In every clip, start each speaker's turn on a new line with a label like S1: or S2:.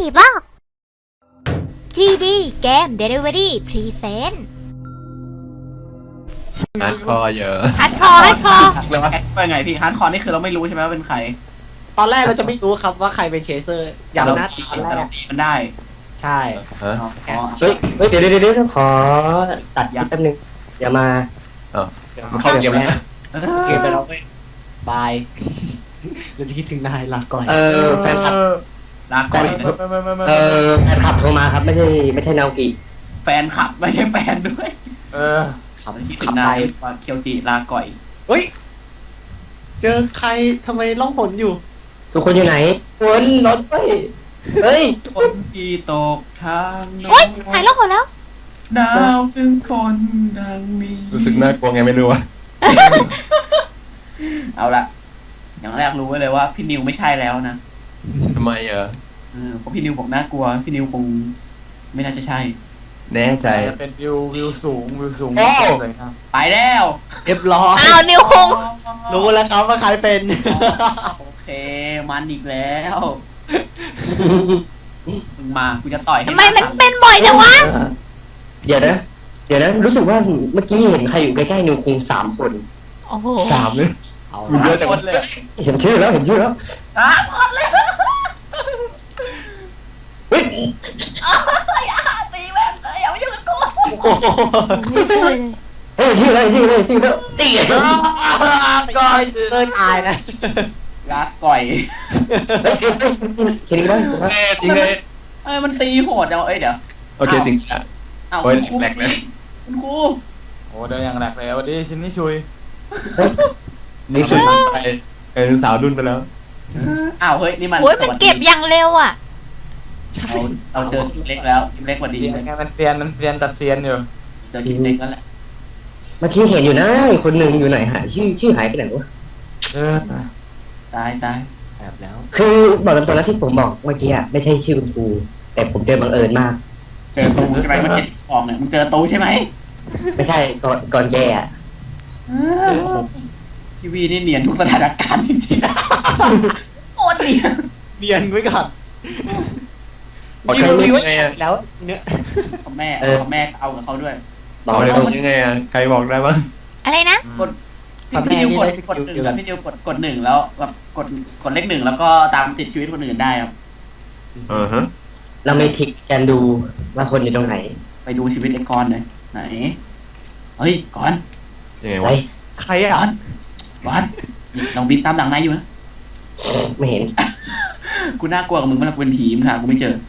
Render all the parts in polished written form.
S1: บอก GD เกม Delivery Present
S2: ฮาร์ดคอร์เยอะ
S1: ฮัดคอร์
S3: หรือว่าเป็นไงพี่ฮาร์ดคอร์นี่คือเราไม่รู้ใช่ไหมว่าเป็นใคร
S4: ตอนแรกเราจะไม่รู้ครับว่าใครเป็นเชเซอร์อย่าง
S3: เรา
S4: หน้า
S3: ตี
S4: ตอนแร
S3: เรา
S4: ก
S3: ตีมันได้
S4: ใช่
S2: ฮะ
S3: อ๋อ
S5: เฮ้ยเดี๋ยวขอตัดคลิปแป๊บนึงอย่ามา
S2: มันเข้าเกมแล้ว
S4: เกมไปแล้วเว้ยบายเราจะคิดถึงนายลาก่อน
S5: แฟนคลับ
S3: ลาก่อน
S5: แฟนคลับโทรมาครับไม่ใช่นาโอกิ
S3: แฟนขับไม่ใช่แฟนด้วย
S4: ขับ
S3: คิดถึ
S4: ขับ
S3: งนา
S4: ไป
S3: ยว่าเคียวจิลาก่อย
S4: เฮ้ยเจอใครทำไมล่องหนอยู่
S5: ทุกคนอยู่ไหนคนรถเฮ้ย
S3: คนที่ตกทางโน้
S1: โอ๊ย
S3: น
S1: หายโลกหมดแล้ว
S3: หนาวถึงคนดังนี้
S2: รู้สึกน่ากลัวไงไม่รู้อะ
S3: เอาละอย่างแรกรู้ไว้เลยว่าพี่นิวไม่ใช่แล้วนะ
S2: ทำไมอะ
S3: เพราะพี่นิวบอกน่ากลัวพี่นิวคงไม่น่าจะใช่
S2: แน่ใจ
S6: จะเป็นวิวสูงสวยงาม
S3: ไปแล้ว
S4: เรียบร้อย
S1: อ้าวนิวคง
S4: รู้แล้วครับว่าใครเป็น
S3: โอเคมันอีกแล้วมึงมากูจะต่อยให้
S1: ทำไมมัน
S3: หา
S1: เป็นบ่อยจังวะ
S5: เดี๋ยวนะรู้สึกว่าเมื่อกี้เห็นใครอยู่ใกล้ๆนิวคง3 คน
S1: โอ้โห
S5: 3เลย
S4: เอา
S2: เยอะจัง
S3: คนเลย
S5: เห็นชื่อแล้ว
S3: อ่ะหมดเลย
S5: เฮ้ย
S3: ตีแม่งเลยอย่ามายุ่งกับกู
S4: โอ้โห
S1: ไม่ช่วยเลย
S5: เห็นชื่อแล้วตี
S4: ก็เลิกตายนะ
S3: รักก่อย
S5: เห็นไหม
S2: แน่จริงเลย
S3: มันตีโหดจังเอ้ยเดี๋ยว
S2: โอเคจริงอะ
S3: อ้าว
S2: โอ้ย
S3: คุณครู
S2: แหลกเลย
S3: คุณครู
S6: โอ้เดินอย่างแหลกเลยวันนี้ชินนี่ชุย
S5: นี่สุด
S2: ไปสาวรุ่นไปแล้ว
S3: อ้าวเฮ้ยนี่มัน
S1: โอ้ยมันเก็บอย่างเร็วอ่ะ
S3: เราเจอทีมเล็กแล้วทีมเล็กกว่าดี
S6: เรียนไงมันเรียนตัดเซียนอยู่
S3: เจอทีมเล็กแล้วแหละ
S5: เมื่อกี้เห็นอยู่นะคนหนึ่งอยู่ไหนหาชื่อหายไปไหนวะ
S3: ตาย
S4: แบบแล้ว
S5: คือบอกตามตรงแล้วที่ผมบอกเมื่อกี้อะไม่ใช่ชื่อคุณครูแต่ผมเจอบังเอิญมาก
S3: เจอตูใช่ไหมมันเห็นออกเนี่ยมึงเจอตูใช่ไหม
S5: ไม่ใช่ก่อนแกอ่ะ
S3: ทีวีนี่เนียนทุกสถานการณ์จริงๆโคตรเนียน
S4: เรียนไว้ก่อน
S2: บอก
S4: จริง
S2: ใคร
S4: ๆมี
S2: รู้
S4: ไว้
S2: ยังไงอะ
S4: แล้วเนี่ย
S3: ของแม่เอากับเขาด้วย
S5: บอก
S2: บอก
S5: เลย
S2: ตรงยังไงอะใครบอกได้บ้าง
S1: อะไรนะ
S3: พี่นิวกด1แล้วพี่นิวกด1แล้วแบบกดเลข1แล้วก็ตามติดชีวิตคนอื่นได้ครับ
S2: ฮะ
S5: เราไม่ทิกกันดูว่าคนอยู่ตรงไหน
S3: ไปดูชีวิตไอ้กอนหน่อยไหนเฮ้ยก่อน
S2: ยังไง
S5: ไป
S2: วะ
S4: ใคร
S3: ก่
S4: อ่ะ
S3: อนลองบินตามหลังนายอยู่นะ
S5: ไม่เห็น
S3: กูน่ากลัวกับมึงมากกูเป็นผีมึงหากูไม่เจอ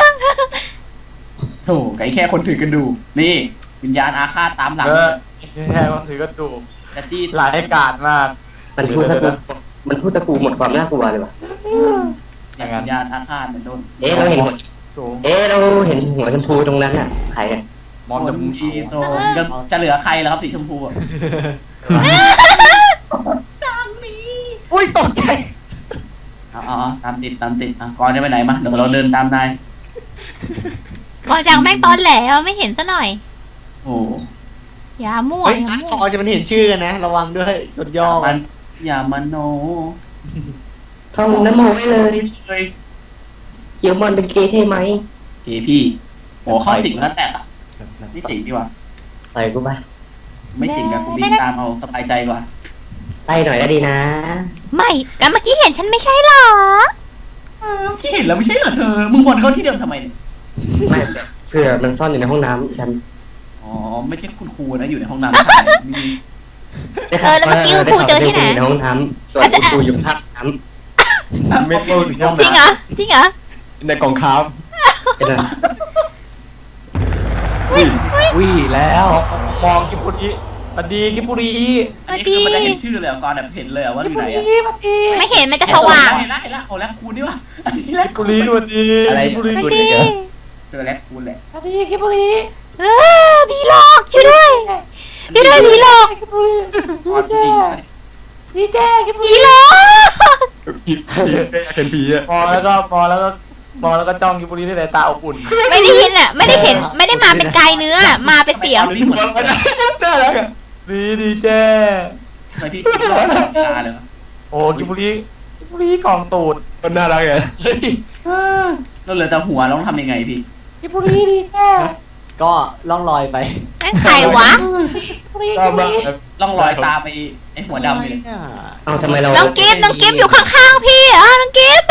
S3: โธ่ไก่แค่คนถือกันดูนี่วิญญาณอาฆาตตามหลัง
S6: แค่คนถือกระจูก
S3: จะจี้
S6: หลายกาดมาก
S5: มันพูดตะกูหมดความน่ากลัวเลยว่ะ
S3: วิญญาณอาฆาตเหมือนโดน
S5: เราเห็นหัว
S6: สูง
S5: เราเห็นหัวชมพูตรงนั้นอ่ะใครอ่ะ
S6: มอง
S3: ค
S6: จ
S3: น
S6: มูก
S3: ที่โตจะเหลือใครแล้วครับสีชมพูอ่ะ
S4: อุ้ยตกใจ
S3: อ๋อตามติดก่อนจะไปไหนมาเดี๋ยวเราเดินตามนาย
S1: ก่อนจากแม่งตอนแหลไม่เห็นซะหน่อย
S3: โอ้
S1: อย่ามั่ว
S4: เฮ้ย
S1: อย่า
S4: อัน
S1: มั่
S4: คว อจะมันเห็นชื่อกันนะ ระวังด้วยสุดยอด
S3: มันอย่ามาโน
S5: ท่องน้ำโมไว้เลย
S3: เลย
S5: เกียวมอนเป็นเกย์ใช่ไหม
S3: เฮ้พี่โอ้เข้าสิงแล้วแตกอ่ะไม่สิงดีกว่า
S5: ต่อยกูไป
S3: ไม่สิงกับกูบินตามเอาสบายใจกว่า
S5: ไล่หน่อยก็ดีนะ
S1: ไม่กันเมื่อกี้เห็นฉันไม่ใช่หรอ
S3: ที่เห็นแล้วไม่ใช่เหรอเธอมึงวนเข้าที่เดิมทำไมเนี่ย
S5: ไม่เผื่อมันซ่อนอยู่ในห้องน้ำดัน
S3: อ๋อไม่ใช่คุณครูนะอยู่ในห้องน้ำ
S1: แล้วเมื่อกี้คุณครูเจอที่ไหน
S5: ในห้องน้ำส่วนคุณครูอยู่ภาคน้
S2: ไม่พูดถึงห้อง
S1: จริงเหรอจริงเหรอ
S2: ในกล่องครับ
S5: ำเป็นไร
S4: อุ้ยแล้ว
S6: มองกิปุรีปดีกิปุรี
S3: อันนี้คือมันจะเห็นชื่อเลยก่อนแบบเห็นเลยว่าอยู่ไหนอ่ะ
S1: ไม่เห็นมันจะสว่าง
S3: เห็นแล้วเอาแล้วคูณนี่วะอันนี้แล้
S6: กิปุรีดูดี
S2: อะไร
S6: กิปุรี
S1: ก็
S2: พูด
S1: ดี
S2: อีกเหรอ
S3: เจอแล้วคูณแหละ
S6: ปดีกิปุรี
S1: ผีหลอกช่วยด้วยช่วยด้วยผีหลอก
S6: กิปุรี
S3: ก่อนจริง
S6: พี่แจ้กิปุ
S1: ผี
S6: รี
S1: หลอก
S2: ผีเป็นผีอะ
S6: มองแล้วก็จ้องกิปุรีด้วยสายตาอบอุ่น
S1: ไม่ได้ยินอ่ะ ไม่ได้เห็นไม่ได้มาเป็นกายเนื้อมาเป็นเสียง
S3: นี่เหมือน
S2: น่ารักอะ
S6: ดีแจ้
S3: เคยที่คิดว่าตาเลย
S6: โอ้กิปุรีกองตูด
S2: คนน่ารักอะ
S4: เฮ้ย
S3: เราเหลือแต่หัวเราต้องทำยังไงพี่
S6: กิบุรีดีแค่
S4: ก็ล่องลอยไป
S1: นั่นใครวะ
S2: ก็มา
S3: ล่องรอยตามไปไอหัวดำไปเลย
S5: เอาทำไมเรา
S1: น้องกิฟต์อยู่ข้างๆพี่เหรอน้องกิฟต์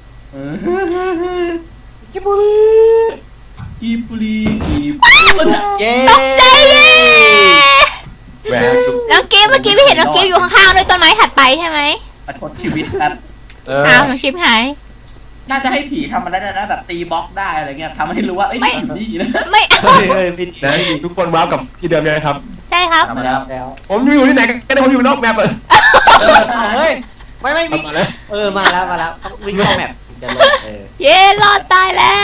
S6: กิบุรี
S3: กีบุรีกีบ
S4: เย้
S1: ตกใจเย้
S2: แหวก
S1: น้องกิฟต์เมื่อกี้พี่เห็นน้องกิฟต์อยู่ข้างๆด้วยต้นไม้ถัดไปใช่ไหม
S3: ประชดชีวิตแบบ
S1: อ้าวน้องกิฟต์หาย
S3: น่าจะให้ผีทำมันได้นะแบบตีบล็อกได้อะไรเงี้ยทำให้รู้ว่าเอ้ย
S1: ไม่
S3: มันดีนะ
S1: ไม่เอา
S4: เฮ้ยพี่
S2: นะทุกคนว้าวกับที่เดิมเลยนะครับ
S1: ใช่ครับ
S3: ทำมาแล้ว
S4: แล้ว
S2: ผมอยู่ที่ไหนก็ได้ผมอยู่นอกแมปเลย
S4: เฮ้ยไม่มี
S2: มาเลย
S4: มาแล้วต้องวิ่งเข้าแมปจะลง
S1: เย้รอดตายแล้ว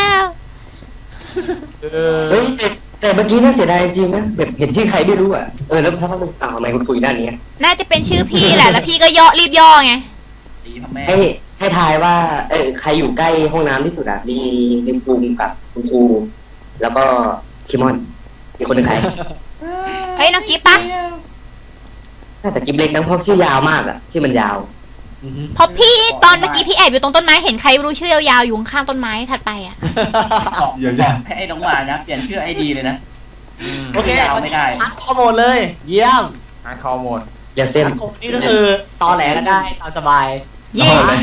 S5: เฮ้ยแต่เมื่อกี้น่าเสียดายจริงๆนะแบบเห็นชื่อใครไม่รู้อ่ะแล้วถ้าเขาอ้าวทำไมคุณคุยด้านนี้
S1: น่าจะเป็นชื่อพี่แหละแล้วพี่ก็รีบย่อไง
S3: ตีทำแม่
S5: ให้ทายว่าใครอยู่ใกล้ห้องน้ำที่สุดอ่ะมีภูมิกับคุณครูแล้วก็คิมอนมีคนหนึ่งใคร
S1: เฮ้ยน้องกิฟต์ปะ
S5: น่าจะกิบเล็กนะเพราะชื่อยาวมากอ่ะชื่อมันยาว
S1: เพราะพี่ตอนเมื่อกี้พี่แอบอยู่ตรงต้นไม้เห็นใครไม่รู้ชื่อยาวๆอยู่ข้างๆต้นไม้ถัดไปอ่ะ
S3: บอกให้ไอ้น้องหมานะเปลี่ยนชื่อไอดีเลยนะ
S4: โอเค
S3: เอาไม่ได้
S4: อัดข้อมูลเลย เยี่ยม
S6: หาคอหมด
S5: อย่าเส้น
S4: อัดข้อมูลนี่ก็คือตอแหลกันได้ตามสบาย
S1: เย้
S2: เอาเลย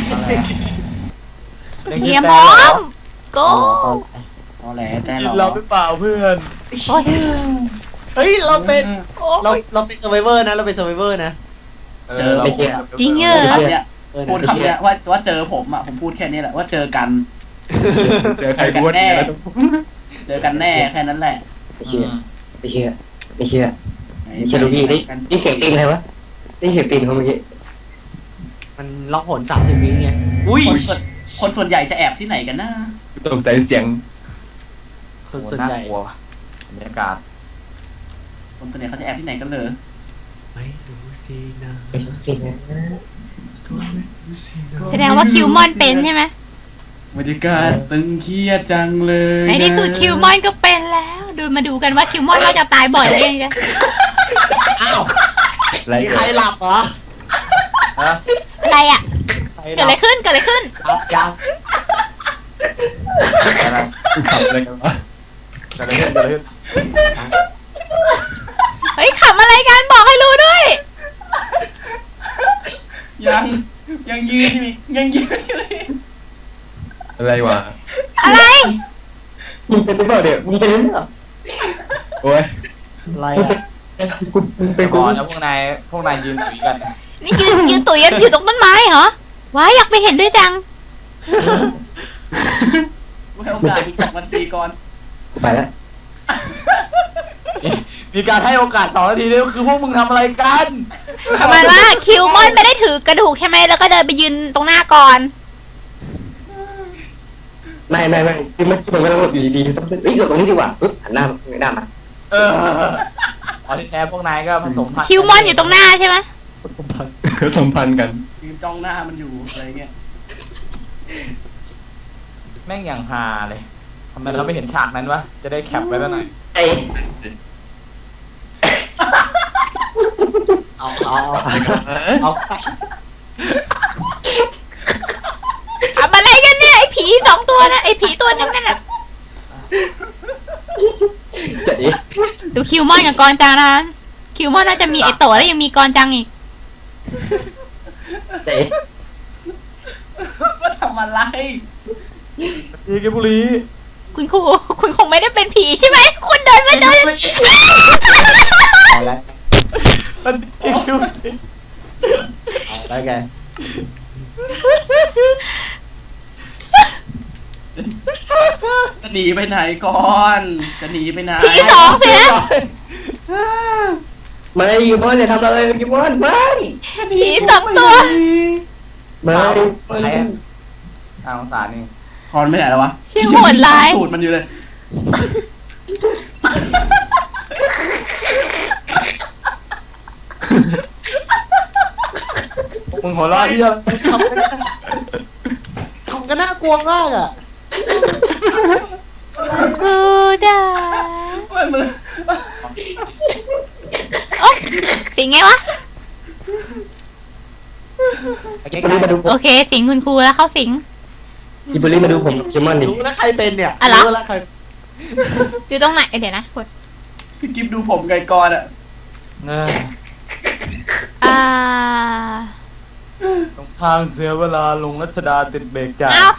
S1: เฮียหมอมโก้
S3: เอาแหละแต่
S6: กิน
S3: เรา
S6: เราหรือเปล่าเพื่อน
S1: โอ้ย
S4: เฮ้ยเราเป็น
S1: โอ้
S4: เราเป็นเซอร์ไวเวอร์นะเราเป็นเซอร์ไวเวอร์นะ
S5: ไม่เชื่อ
S1: จริงเหรอ
S3: คำเนี้ยพูดคำเนี้ยว่าเจอผมอ่ะผมพูดแค่นี้แหละว่าเจอกัน
S2: เจอใครบ้วนแล้วต้อง
S3: เจอกันแน่แค่นั้นแหละ
S5: ไม่เชื่อไม่เชื่อไม่เชื่อไม่เชื่อลูกพี่นี่เสียงตีนใครวะนี่เสียงตีนเขาเมื่อกี้
S4: มันล็อกผล30 วิไงอุ้ย
S3: คนส่วนใหญ่จะแอบที่ไหนกันนะ
S2: ตกใจเสียง
S4: คนส่วนใหญ่
S6: กลัวบรรยากาศ
S3: คนส่วนใหญ่เขาจะแอบที่ไหนกันเลย
S4: ไม่รู้สินะ
S5: ไม่จริงนะ
S4: ก็ไม่รู้สินะ
S1: แสดงว่าคิวมอนเป็นใช่ไหม
S3: บรรยากาศตึงเครียดจังเลย
S1: ในที่สุดคิวมอนก็เป็นแล้วมาดูกันว่าคิวมอนก็จะตายบ่อยหรือยังไง
S4: อ้าว
S2: อะไร
S4: มีใครหลับเหรอ
S1: อะไรอ่ะเกิดอะไรขึ้น
S4: ยัง
S2: อะไรขับอะไรกันวะ
S6: เกิดอะไรขึ้นเกิดอะไรขึ้น
S1: เฮ้ยขำอะไรกันบอกให้รู้ด้วย
S3: ยังยืนอยู่ยังยืนอยู่
S2: อะไรวะ
S1: อะไร
S5: มึงเป็นหรือเปล่าเดี๋ยวมึงเป็นหรือเปล่า
S2: โอ้ย
S4: อะไร
S5: มึงเป็น
S6: ก่อนแล้วพวกนายยืนคุยกัน
S1: นี่ยืนตุ๋ยกันอยู่ตรงต้นไม้เหรอว้ายอยากไปเห็นด้วยจัง
S3: ให้โอกาสอีก2 นาทีก่อน
S5: ไปแล้ว
S6: มีการให้โอกาส2 นาทีด้วยคือพวกมึงทำอะไรกัน
S1: ประมาณว่าคิวมอนไม่ได้ถือกระดูกใช่ไหมแล้วก็เดินไปยืนตรงหน้าก่อน
S5: ไม่คือมันกำลังหลบอยู่ดีๆต้องหลบตรงนี้ดีกว่าปึ๊บหันหน้ามา
S6: อ๋อที่แท้พวกนายก็ผสมพันธุ์
S1: คิวมอนอยู่ตรงหน้าใช่ไหม
S2: สัมพันธ์กัน
S3: ยืนจ้องหน้ามันอยู่อะไรเงี้ย
S6: แม่งอย่างฮาเลยทำไมเราไม่เห็นฉากนั้นวะจะได้แคปไว้แล้วหน่อย
S5: ไอ้
S4: เอา
S1: ทำอะไรกันเนี่ยไอ้ผี2 ตัวนะไอ้ผีตัวนึงนั่นน่ะ
S5: เจ๋ย
S1: ดูคิวมอนกับกรจังนะคิวมอนน่าจะมีไอโตะแล้วยังมีกรจังอีก
S5: เจ๋ย
S3: ว่าทำอะไร
S6: ดีกิบุรี
S1: คุณครูคุณคงไม่ได้เป็นผีใช่ไหมคุณเดินมาเจอ
S4: เอาแล้ว
S6: มันดีคิว
S4: เอาแล้วแก
S3: จะหนีไปไหนก่อน จะหนีไปไหน
S1: ผี2สินะ
S5: ไม่ยูมอนอย่าทำอะไรยูมอนไม่
S1: ผี2 ตัว
S5: ไม่
S6: ใครอ่ะสงสารนี่
S3: คอนไม่ไหนแล้ววะ
S1: ชื่อโหดร้าย
S3: สูตรมันอยู่เลย
S6: มึงหัวเราะที่
S4: ทำกันน่ากลัวมากอ่ะ
S1: ครูจ๋า
S3: มันมือ
S1: โอ๊ยสิงไงวะ
S4: ใกล้
S5: มาดู
S1: โอเค สิงคุณครูแล้วเข้าสิง
S5: จิบุรีมาดูผมคิมมอนดิ
S4: รู้แล้วใครเป็นเนี่ย
S1: อะไร
S4: รู้แล้วใคร
S1: อยู่ตรงไหนเดี๋ยวนะกด
S3: พี่กิฟดูผมไกกรอ่ะ
S6: เออ
S1: อ่า
S6: ตรงทางเสียเวลาลงรัชดาติดเบรกจ่าย
S1: เอ้า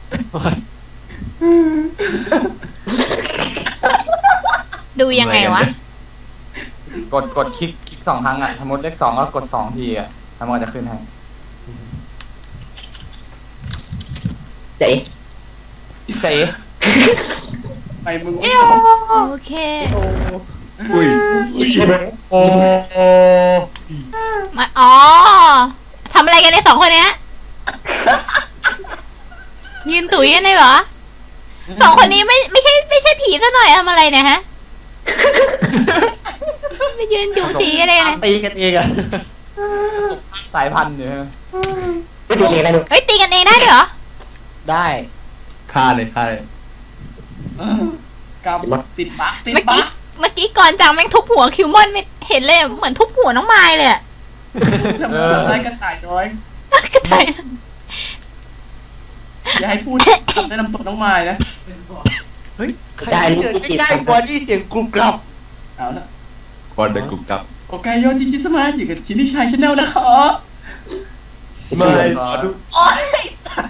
S1: ดูยังไงวะ
S6: กดคลิก2 ครั้งอ่ะสมมติเลข 2แล้วกด2 ทีอ่ะแล้วมันก็จะขึ้นให้
S5: เจ๊
S6: เจ๊
S3: ไปมึง
S1: โอเค
S2: อุ้ย
S6: โอ้
S1: มาอ๋อทำอะไรกันในสองคนเนี้ยยืนตุ๋ยกันเลยเหรอสองคนนี้ไม่ใช่ผีซะหน่อยทำอะไรเนี่ยฮะไม่ยืนจูจีกันเลยนะ
S4: ตีกันเองอะ
S6: สายพันธุ์อยู่ใช่ไหม
S5: ไม่ดูเองนะดู
S1: เฮ้ยตีกันเองได้ด้วยเหรอ
S4: ได้
S2: ฆ่าเลยฆ่าเลย
S3: กับติดบั๊กติด
S1: เมื่อ
S3: บั๊
S1: กี้
S3: ก
S1: เมื่อกี้ก่อนจังแม่งทุบหัวคิวมอนไม่เห็นเลยเหมือนทุบหัวน้องไม้เลยอะ
S3: ทำไมกระต่ายน้อย
S1: กระต่าย
S3: อย่าให้พูดแนะนำตัวน้องไม้นะ
S4: เฮ้ยใครเดินใกล้ๆกว่านี่เสียงกรุบกรับ
S3: เอาละ
S2: ก่อนเด็กกรุบกรับ
S3: โอเคโยจิจิสมาอยู่กับชินิชัยชาแนลนะคะ
S2: ไม่ดู
S3: โอ้ย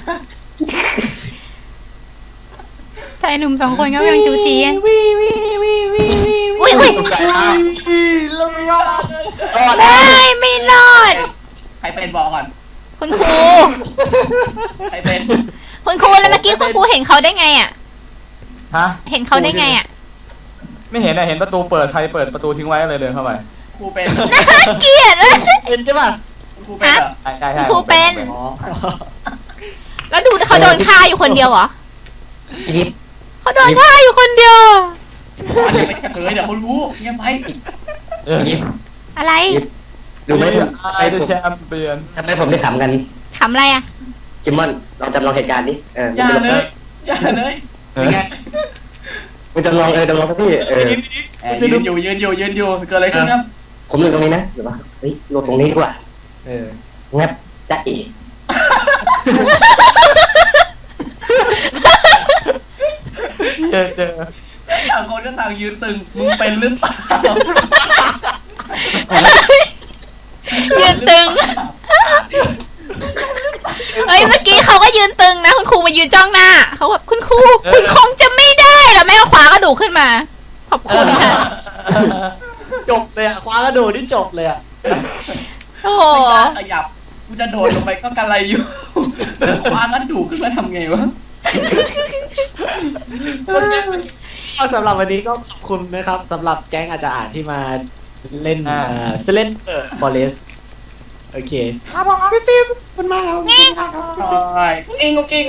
S1: ชายหนุ่มสองคนก็กำลังจูจีกันอุ้ย
S2: ตกใจมาก
S4: แล้วรอด
S1: ไม่รอด
S3: ใครเป็นบอกก่อน
S1: คุณครู
S3: ใครเป็น
S1: คุณครูแล้วเมื่อกี้คุณครูเห็นเขาได้ไงอ่ะ
S6: ฮะ
S1: เห็นเขาได้ไงอ่ะ
S6: ไม่เห็นอะเห็นประตูเปิดใครเปิดประตูทิ้งไว้เลยเดินเข้าไป
S3: ครูเป็น
S1: เกลียดเลย
S4: เป็นใช่ป่ะ
S3: ครูเป็นเหรอ
S6: ใช่ใช่
S1: คุณครูเป็น
S4: อ๋อ
S1: แล้วดูเขาโดนฆ่าอยู่คนเดียวเหรอ
S5: ยิบ
S1: เขาโดนฆ่าอยู่คนเดียว
S3: อย่าไปเฉลยเดี๋ยวเขารู้เงียบไป
S6: เออ
S5: ยิบ
S1: อะไร
S5: ดูไหมผม
S6: ไอ้แชมเปี้ยน
S5: ทำไมผมได้ขำกัน
S1: ขำอะไรอ่ะ
S5: คิมมอนลองจำลองเหตุการณ์ดิ
S3: อย่าเลยอย่าเลย
S5: เป็นไงมึงจำลองจำลองสักที่
S3: ยืนอยู่เกิดอะไรขึ้นครับ
S5: ผมอยู่ตรงนี้นะหรือว่าเฮ้ยลงตรงนี้ดีกว่า งับจ๊ะเอ๋
S6: เจอ
S3: ต่างคนก็ต่างยืนตึงมึงเป็นหรือเปล่า
S1: ยืนตึง เฮ้ยเมื่อกี้เขาก็ยืนตึงนะคุณครูมายืนจ้องหน้าเขาแบบคุณครูคุณคงจะไม่ได้แล้วแม่ก็คว้ากระดูกขึ้นมาขอบคุณค่ะ
S4: จบเลยอะคว้ากระโดดนี่จบเลยอะ
S1: โอ้โห
S3: ไม่กล้าขยับกูจะโดดลงไปก็กันไรอยู่คว้ากันดูขึ้นมาทำไงวะ
S4: ก็สำหรับวันนี้ก็ขอบคุณนะครับสำหรับแก๊งอาจารย์ที่มาเล่นเล่นฟอเรสโอเคครับผมพี่ฟิล์มมันมาแล้ว
S3: ใช่เองโอเค